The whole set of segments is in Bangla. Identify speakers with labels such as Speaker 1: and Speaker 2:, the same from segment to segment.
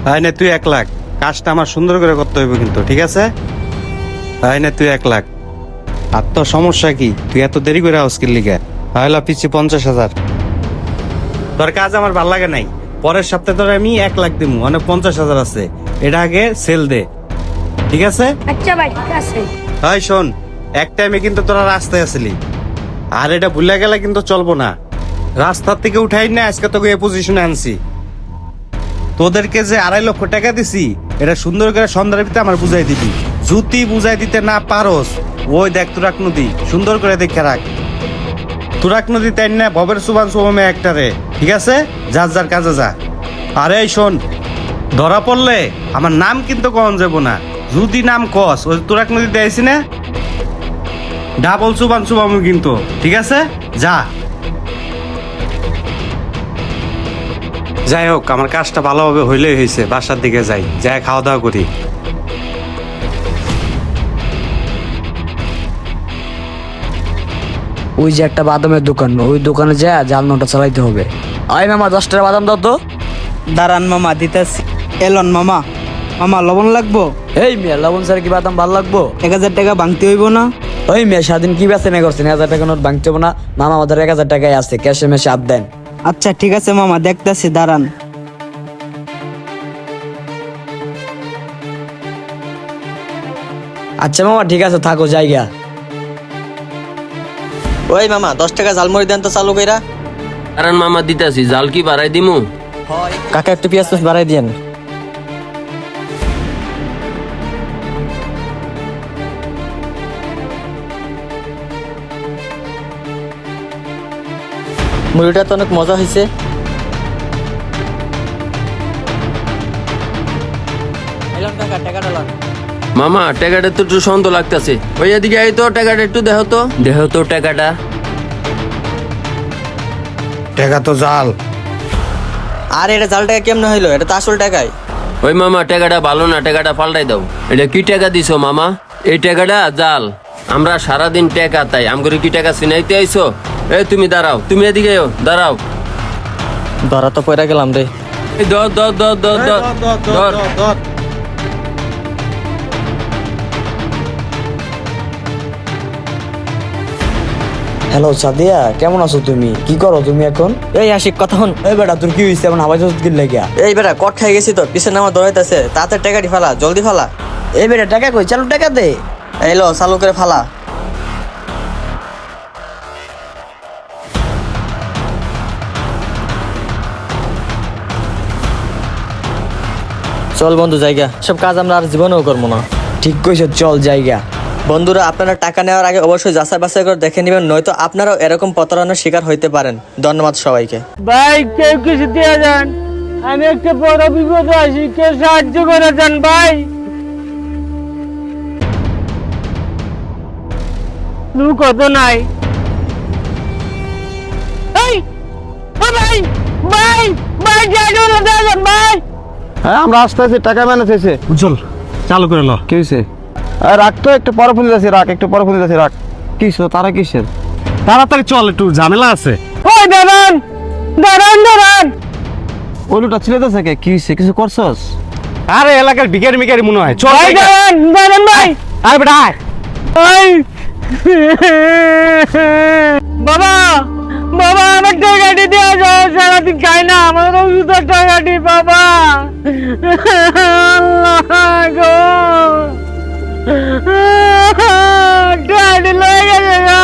Speaker 1: হয় না তুই 1 লাখ, কাজটা আমার সুন্দর করে করতে হইব কিন্তু, ঠিক আছে? হয় না তুই 1 লাখ। আর তোর সমস্যা কি? তুই এত দেরি করে আউস্কির লিগে হয়লা পিছিয়ে 50,000। তোর কাজ আমার ভাল লাগে নাই। পরের সপ্তাহে তোর আমি 1 লাখ দিমু, অনেক 50,000 আছে। এটা আগে সেল দে, ঠিক আছে?
Speaker 2: আচ্ছা ভাই, ঠিক আছে।
Speaker 1: হয় শোন, এক টাইমে কিন্তু তোরা রাস্তায় আসলি, আর এটা ভুলে গেলে কিন্তু চলবো না। রাস্তার থেকে উঠাই না আজকে তোকে এই পজিশনে আনছি। তোদেরকে যে 2.5 লক্ষ টাকা দিছি, এটা সুন্দর করে সন্ধ্যার ভিতরে আমার বুঝাই দিবি। যদি বুঝাই দিতে না পারোস, ওই দেখ তুরাক নদী, সুন্দর করে দেখে রাখ। তুরাক নদী তাই না ভবের সুবান সুবমে একটারে, ঠিক আছে? যার যার কাজে যা। আরে শোন, ধরা পড়লে আমার নাম কিন্তু কখন যাবো না। যদি নাম কস, ওই তুরাক নদীতে আইসি না, ডাবল সুবান সুবামু কিন্তু, ঠিক আছে? যা। যাই হোক, আমার কাজটা ভালোভাবে হইলেই হয়েছে। বাসার দিকে যাই, যাই খাওয়া দাওয়া করি।
Speaker 3: ওই যে একটা বাদামের দোকান, ওই দোকানে যা জাল নোটা চালাইতে হবে। আয় মামা 10 টাকা বাদাম দাও তো।
Speaker 4: দাঁড়ান মামা, দিতেছি। এলন মামা, মামা লবণ লাগবো?
Speaker 3: এই মিয়া, লবণ স্যার কি বাদাম ভাল লাগবো?
Speaker 4: 1,000 টাকা ভাঙতে হইব না?
Speaker 3: ওই মিয়া, স্বাধীন কি বেচে না করছেন? 1000 টাকা নোট ভাঙতে হবে না মামা, আমাদের 1000 টাকাই আছে, ক্যাশে মেশে আপ দেন।
Speaker 4: আচ্ছা ঠিক আছে মামা, দেখতেছি, দাঁড়ান।
Speaker 3: আচ্ছা মামা ঠিক আছে, থাকো জায়গা।
Speaker 5: ওই মামা 10 টাকা ঝালমুড়ি দেন তো চালু কইরা।
Speaker 6: কারণ মামা দিতাছি, জাল কি বাড়াই দিমু?
Speaker 5: কাকা একটু পেঁয়াজ বাড়াই দিয়েন। মুড়িটা তো অনেক মজা হয়েছে। টাকাটা লাগ।
Speaker 6: মামা টাকাটা তো একটু সন্দেহ লাগতেছে। ওই এদিকে এই তো টাকাটা একটু দেখো তো টাকাটা।
Speaker 1: টাকা তো জাল।
Speaker 5: আর এটা জাল টাকা কেমনে হইলো? এটা তো আসল টাকাই।
Speaker 6: ওই মামা টাকাটা ভালো না, টাকাটা পাল্টাই দাও। এটা কি টাকা দিছো মামা? এই টাকাটা জাল। আমরা সারাদিন টাকা তাই আমগরে কি টাকা চিনাইতে আইছো? এই তুমি দাঁড়াও, তুমি এদিকে এও, দাঁড়াও।
Speaker 5: ধরা তো পয়রা গেলাম রে।
Speaker 6: এই ধর।
Speaker 3: হ্যালো সাদিয়া, কেমন আছো তুমি? কি করো তুমি এখন?
Speaker 5: এই আশিক কথা হন।
Speaker 3: এই বেটা, তোর কি হইছে এমন হাবাই জল গিল লাগিয়া?
Speaker 5: এই বেটা কট খাই গেছি তো, পিছনে আমার দৌড়াইতেছে। তাতে টাকাটি ফালা, জলদি ফালা।
Speaker 3: এই বেটা টাকা কই? চালু টাকা দে।
Speaker 5: এই লো, চালু করে ফালা। চল বন্ধু জায়গা, সব কাজ আমরা আর জীবনেও করবো না।
Speaker 3: ঠিক কইছো, চল জায়গা।
Speaker 5: বন্ধুরা, আপনারা টাকা নেওয়ার আগে অবশ্যই যাচাই বাছাই করে দেখে নেবেন, নয়তো আপনারাও এরকম প্রতারণার শিকার হইতে পারেন। ধন্যবাদ সবাইকে।
Speaker 4: ভাই কেউ কিছু দিয়ে যান, আমি একটা বড় বিপদ আছি, কেউ সাহায্য করে যান ভাই। কত নাই? এই ও ভাই ভাই ভাই জায়গাটা দেন ভাই।
Speaker 7: হ্যাঁ, আমরা আসতে আছি, টাকা ম্যানেজ হয়েছে।
Speaker 1: চল চালু করে লো।
Speaker 7: কি হয়েছে? রাখ তো, একটু পরে ফোন দিতেছি, রাখ একটু পরে ফোন দিতেছি, রাখ। কিসো তারা কিসের?
Speaker 1: তাড়াতাড়ি চল, একটু ঝামেলা আছে।
Speaker 4: ওই দাঁড়ান দাঁড়ান দাঁড়ান।
Speaker 7: ওই লোকটা ছিল তো থেকে, কি হয়েছে? কিছু করছস?
Speaker 1: আরে এলাকার ভিখারি মিখারি মনে হয়। চল
Speaker 4: ভাই দাঁড়ান দাঁড়ান ভাই।
Speaker 1: আরে বেটা আয়।
Speaker 4: ওই বাবা বাবা, আমার টাকাটি দিয়ে যাও, সারাদিন খাই না, আমার ওষুধের টাকাটি বাবা। আল্লাহ গো, টাকাটি লয়ে গেছে না।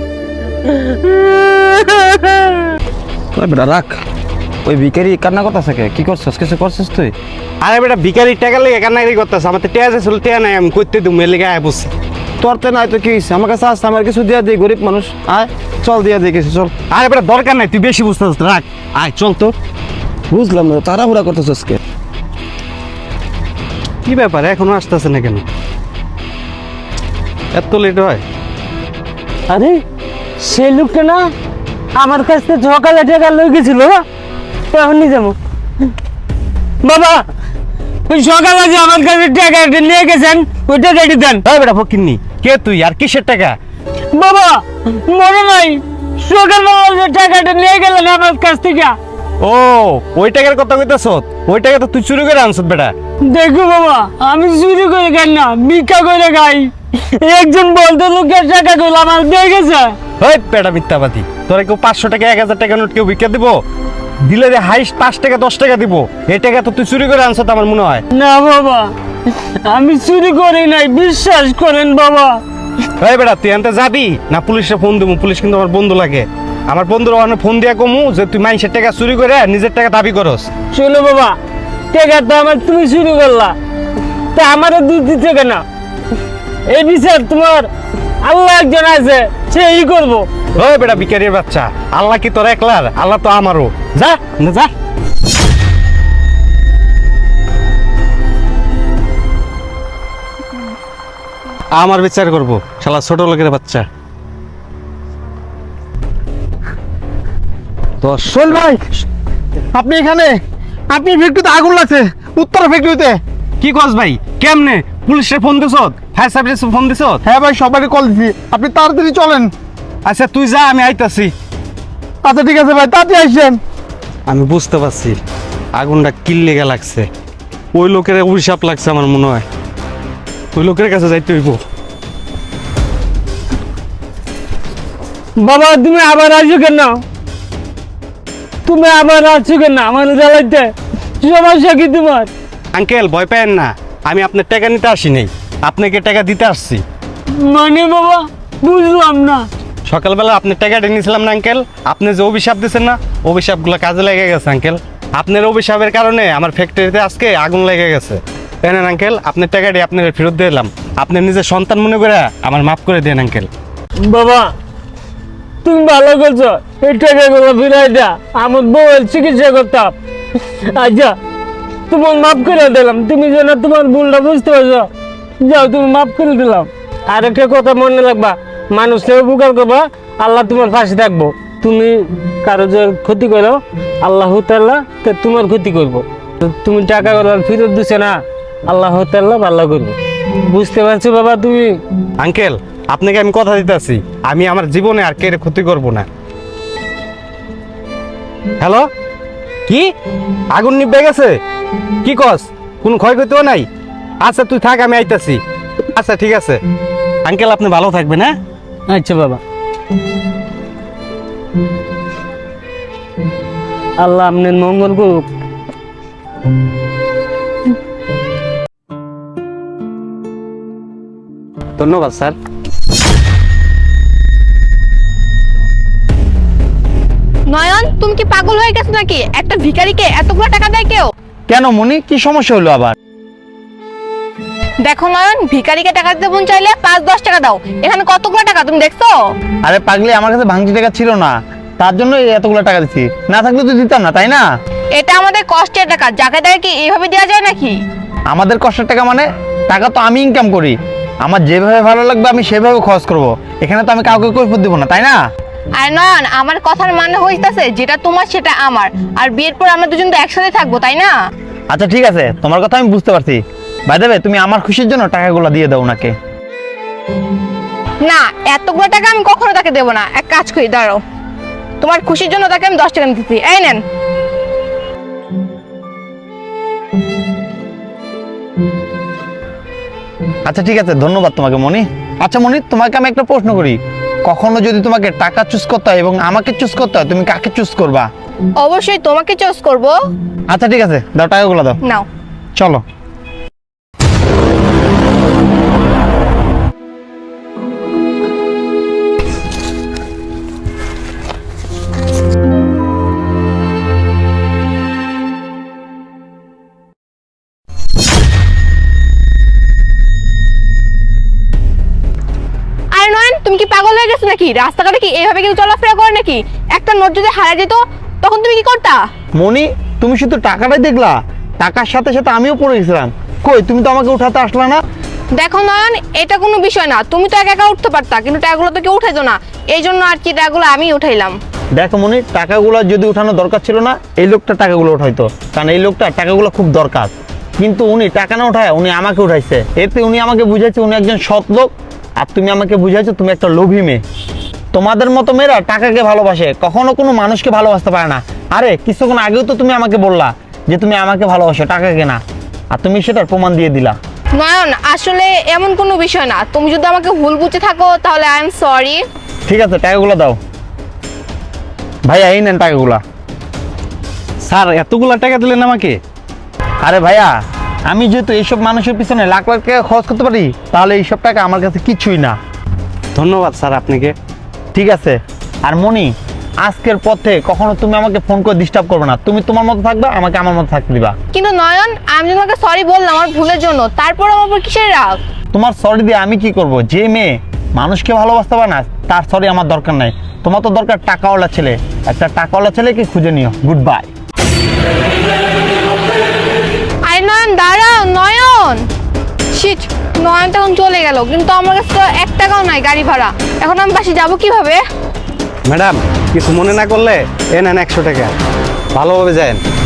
Speaker 7: ওই বেটা রাখ। ওই ভিখারি কান্না করতেছে কে? কি করছস? কিছু করছস তুই?
Speaker 1: আরে বেটা ভিখারি টাকা লেগে কান্নাকারি করতেছে। আমার তো টেয়া ছিল, টেয়া নাই, আমি করতে দু মেয়ে লেগে আয় বসে।
Speaker 7: তোর তো নাই তো কি হয়েছে? আমার কাছে আসতে, আমার কিছু দিয়া দিই, গরিব মানুষ। আয় চল, দিয়া দিই কিছু, চল।
Speaker 1: আরে বেটা দরকার নাই, তুই বেশি বুঝতেছিস, রাখ। আয় চল তো।
Speaker 7: বুঝলাম না, তাড়াহুড়া করতেছস কে?
Speaker 1: কি ব্যাপার, এখনো আসতেছে না কেন? এত লেট হয়?
Speaker 4: আরে সেই লোকটা না আমার কাছ থেকে সকালে টাকা লই গেছিল, এখনই যাবো। বাবা ওই সকালে যে আমার কাছে টাকা নিয়ে গেছেন, ওই টাকাটি দেন।
Speaker 1: আরে বেটা ফকিন্নি, কে তুই আর কিসের টাকা?
Speaker 4: বাবা মনে নাই, সকালবেলা যে টাকাটা নিয়ে গেলেন আমার কাছ থেকে,
Speaker 1: ও ওই টাকার কথা কইতাছ, ওই টাকা তো তুই চুরি করে আনছত বেটা।
Speaker 4: দেখো বাবা, আমি চুরি করে খাই না, ভিক্ষা করে খাই। একজন বলতে লোকের টাকা কইল আমার দিয়ে গেছে।
Speaker 1: ওই বেটা মিথ্যাবাদী, তোরা কেউ 500 টাকা 1000 টাকা নোট কেউ ভিক্ষা দিব? দিলে যে হাইস্ট 5 টাকা 10 টাকা দিব। এই টাকা তো তুই চুরি করে আনছত আমার মনে হয়।
Speaker 4: না বাবা, আমি চুরি করি নাই, বিশ্বাস করেন বাবা।
Speaker 1: এই বেটা তুই আনতে যাবি না পুলিশে ফোন দেবো? পুলিশ কিন্তু আমার বন্ধু লাগে। আমার বন্ধুর ওখানে ফোন দিয়া কমু যে তুই মানুষের টাকা চুরি করে নিজের টাকা দাবি করস।
Speaker 4: শোনো বাবা, টাকা তো আমার তুমি চুরি করলা, তা আমারও দুধ দিতে কেন? এই বিচার তোমার আল্লাহ একজন আছে, সেই করবো।
Speaker 1: ওই বেটা ভিখারির বাচ্চা, আল্লাহ কি তোর একলার? আল্লাহ তো আমারও। যা না যা। আমার বিচার করবো শালা ছোট লোকের বাচ্চা।
Speaker 7: সোহেল ভাই, আপনি এখানে? আপনি ফ্যাক্টরিতে আগুন লাগছে, উত্তরা ফ্যাক্টরিতে।
Speaker 1: কি কস ভাই? কেমনে? পুলিশে ফোন দিছ? ফায়ার সার্ভিসে ফোন দিছ?
Speaker 7: হ্যাঁ ভাই, সবাই কল দিছি, আপনি তাড়াতাড়ি চলেন।
Speaker 1: আচ্ছা তুই যা, আমি আইতাছি।
Speaker 7: আচ্ছা ঠিক আছে ভাই, তাড়াতাড়ি আসছেন।
Speaker 1: আমি বুঝতে পারছি আগুনটা কিল্লেগা লাগছে। ওই লোকের অভিশাপ লাগছে আমার মনে হয়। ওই লোকের কাছে যাইতে হইব।
Speaker 4: বাবা তুমি আবার আসো কেন? তুমি আবার আসছো কেন আমার জ্বালাইতে? সমস্যা কি তোমার?
Speaker 1: আঙ্কেল ভয় পেয়েন না, আমি আপনার টাকা নিতে আসি নাই, আপনাকে টাকা দিতে আসছি।
Speaker 4: মানে বাবা বুঝলাম না।
Speaker 1: সকালবেলা আপনার টাকাটা নিয়েছিলাম না আঙ্কেল? আপনি যে অভিশাপ দিচ্ছেন না, অভিশাপগুলো কাজে লেগে গেছে আঙ্কেল। আপনার অভিশাপের কারণে আমার ফ্যাক্টরিতে আজকে আগুন লেগে গেছে। তাই না আঙ্কেল? আপনার টাকাটি আপনার ফেরত দিলাম। আপনি নিজের সন্তান মনে করে আমার মাফ করে দেন আঙ্কেল।
Speaker 4: বাবা তুমি ভালো করছো, এই টাকাগুলো ফিরাই দেয়া, আমার বউয়ের চিকিৎসা করতাম। আচ্ছা তোমার মাফ করে দিলাম, তুমি যেন তোমার ভুলটা বুঝতে পারছো, যাও তুমি মাফ করে দিলাম। আর একটা কথা মনে রাখবা, মানুষকে উপকার করবা, আল্লাহ তোমার পাশে থাকবো। তুমি কারো যে ক্ষতি করো, আল্লাহ তাআলা তো তোমার ক্ষতি করবো। তুমি টাকাগুলো ফেরত দিছে না, আল্লাহ তাআলা ভালো করবো। বুঝতে পারছো বাবা তুমি?
Speaker 1: আঙ্কেল আপনাকে আমি কথা দিতেছি, আমি আমার জীবনে আর কে ক্ষতি করব না। হ্যালো, কি আগুন নিভে গেছে? কি কস? কোনো ক্ষয়ক্ষতিও নাই? আচ্ছা তুই থাক, আমি আইতাছি। আচ্ছা ঠিক আছে আঙ্কেল, আপনি ভালো থাকবেন। হ্যাঁ
Speaker 4: আচ্ছা বাবা, আল্লাহ আপনার মঙ্গল করুক।
Speaker 1: ধন্যবাদ স্যার।
Speaker 2: নয়ন, তুমি কি পাগল হয়ে গেছো নাকি? একটা ভিখারিকে এতগুলো টাকা দেয় কেউ?
Speaker 7: কেন মনি, কি সমস্যা হলো আবার?
Speaker 2: দেখো নয়ন, ভিখারিকে টাকা দিতে মন চাইলে 5-10 টাকা দাও। এখানে কতগুলো টাকা তুমি দেখছো?
Speaker 7: আরে পাগলি, আমার কাছে ভাঙতি টাকা ছিল না, তার জন্য এতগুলো টাকা দিচ্ছি, না থাকলে তো দিতাম না, তাই না?
Speaker 2: এটা আমাদের কষ্টের টাকা, যাকে দেয় কি এইভাবে দেওয়া যায় নাকি?
Speaker 7: আমাদের কষ্টের টাকা মানে? টাকা তো আমি ইনকাম করি, আমার যেভাবে ভালো লাগবে আমি সেভাবে খরচ করব। এখানে তো আমি কাউকে কৈফিয়ত দেব না, তাই না?
Speaker 2: আর নয়ন, আমার কথার মানে হইতাছে যেটা তোমার সেটা আমার, আর বিয়ের পর আমরা দুজন তো একসাথে থাকবো, তাই না?
Speaker 7: আচ্ছা ঠিক আছে, তোমার কথা আমি বুঝতে পারছি। ভাই দেবে, তুমি আমার খুশির জন্য টাকাগুলো দিয়ে দাও ওনাকে।
Speaker 2: না, এতগুলো টাকা আমি কখনো তাকে দেবো না। এক কাজ করি, দাঁড়াও, তোমার খুশির জন্য তাকে আমি 10 টাকা দিতেছি। এই নেন।
Speaker 7: আচ্ছা ঠিক আছে, ধন্যবাদ তোমাকে মনি। আচ্ছা মনি, তোমাকে আমি একটা প্রশ্ন করি, কখনো যদি তোমাকে টাকা চুজ করতে হয় এবং আমাকে চুজ করতে হয়, তুমি কাকে চুজ করবা?
Speaker 2: অবশ্যই তোমাকে চয়েস করবো।
Speaker 7: আচ্ছা ঠিক আছে, দাও টাকাগুলো দাও,
Speaker 2: নাও।
Speaker 7: চলো।
Speaker 2: আরে নয়ন, তুমি কি পাগল হয়ে গেছো নাকি? রাস্তাঘাটে কি এইভাবে কেউ চলাফেরা করে নাকি? একটা নোট যদি হারিয়ে যেত তখন তুমি কি করতা?
Speaker 7: মনি, তুমি শুধু টাকাটাই দেখলা, টাকার সাথে সাথে আমিও পড়ে গেছিলাম। কই, তুমি তো আমাকে উঠাতে আসলা না?
Speaker 2: দেখো নয়ন, এটা কোনো বিষয় না, তুমি তো একা একা উঠতে পারতা, কিন্তু টাকাগুলো তো কেউ উঠাইতো না, এই জন্য আর কি টাকাগুলো আমি উঠাইলাম।
Speaker 7: দেখো মনি, টাকাগুলো যদি উঠানো দরকার ছিল না, এই লোকটা টাকাগুলো উঠাইতো, কারণ এই লোকটা টাকাগুলো খুব দরকার। কিন্তু উনি টাকা না উঠায় উনি আমাকে উঠাইছে। এতে উনি আমাকে বুঝাইছে উনি একজন সৎ লোক, আর তুমি আমাকে বুঝাইছো তুমি একটা লোভী মেয়ে। তোমাদের মতো মেয়েরা টাকাকে ভালোবাসে, কখনো কোনো মানুষকে ভালোবাসতে পারে না। আরে কিছুক্ষণ আগেও তো তুমি আমাকে বললা যে তুমি আমাকে ভালোবাসো, টাকাকে না, আর তুমি সেটার প্রমাণ দিয়ে দিলা।
Speaker 2: নয়ন আসলে এমন কোনো বিষয় না, তুমি যদি আমাকে ভুল বুঝে থাকো তাহলে আই এম সরি।
Speaker 7: ঠিক আছে, টাকাগুলো দাও। ভাইয়া এই নেন টাকাগুলা।
Speaker 1: স্যার এতগুলা টাকা দিলেন আমাকে?
Speaker 7: আরে ভাইয়া, আমি যেহেতু এইসব মানুষের পিছনে লাখ লাখ টাকা খরচ করতে পারি, তাহলে এইসব টাকা আমার কাছে কিছুই না।
Speaker 1: ধন্যবাদ স্যার আপনাকে।
Speaker 7: ঠিক আছে। আর মনি, আজকের পথে কখনো তুমি আমাকে ফোন করে ডিস্টার্ব করবে না, তুমি তোমার মতো থাকবে, আমাকে আমার মতো থাকতে দিবা।
Speaker 2: কিন্তু নয়ন আমি যদি তোমাকে সরি বললাম আমার ভুলের জন্য, তারপর আমার উপর কিসের রাগ?
Speaker 7: তোমার সরি দিয়ে আমি কি করব? যে মেয়ে মানুষকে ভালোবাসতে পারে না তার সরি আমার দরকার নাই। তোমার তো দরকার টাকাওয়ালা ছেলে, একটা টাকাওয়ালা ছেলেকে খুঁজে নিও। Goodbye.
Speaker 2: আরে নয়ন দাঁড়াও, নয়ন। শিট, নয়ন তখন চলে গেল, কিন্তু আমার কাছে তো 1 টাকাও নাই গাড়ি ভাড়া। এখন আমি বাসে যাবো কিভাবে?
Speaker 1: ম্যাডাম কিছু মনে না করলে এ নেন 100 টাকা, ভালোভাবে যান।